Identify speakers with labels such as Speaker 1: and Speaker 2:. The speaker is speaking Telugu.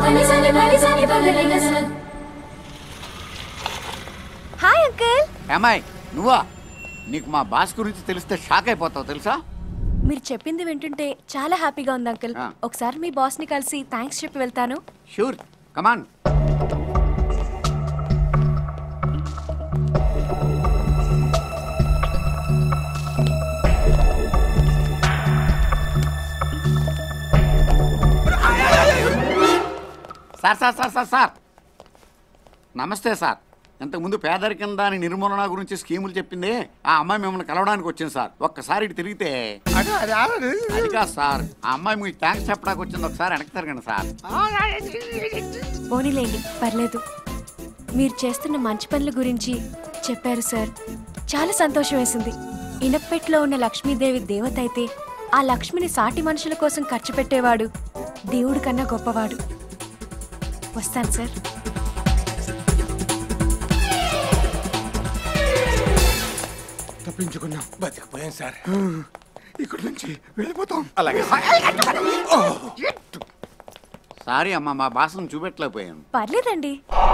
Speaker 1: Hi uncle.
Speaker 2: ఏమాయ్ నువ్వా? నీకు మా బాస్ గురించి తెలిస్తే షాక్ అయిపోతావు తెలుసా?
Speaker 1: మీరు చెప్పింది వింటుంటే చాలా హ్యాపీగా ఉంది అంకుల్. ఒకసారి మీ బాస్ ని కలిసి థ్యాంక్స్ చెప్పి వెళ్తాను.
Speaker 2: Sure, come on. Sir sir sir sir sir నమస్తే సార్. ఇంతకుముందు పేదరికం దాని నిర్మూలన గురించి స్కీములు చెప్పింది ఆ అమ్మాయి మిమ్మల్ని కలవడానికి వచ్చింది సార్. ఒక్కసారి ఇటు తిరిగితే అది కాదు సార్, ఆ అమ్మాయి మీకు థ్యాంక్స్ చెప్పడానికి వచ్చింది. ఒకసారి వెనక్కి తిరగండి సార్.
Speaker 1: పోనీలేండి, పర్లేదు. మీరు చేస్తున్న మంచి పనుల గురించి చెప్పారు సార్. చాలా సంతోషం వేసింది. ఇనప్పెట్లో ఉన్న లక్ష్మీదేవి దేవత అయితే ఆ లక్ష్మిని సాటి మనుషుల కోసం ఖర్చు పెట్టేవాడు దేవుడి కన్నా గొప్పవాడు. వస్తాను సార్.
Speaker 3: తప్పించుకున్నాం, బతికిపోయాం సార్. ఇక్కడ నుంచి వెళ్ళిపోతాం.
Speaker 2: అలాగే సారీ అమ్మా, మా భాషను చూపెట్టలేకపోయాను.
Speaker 1: పర్లేదండి.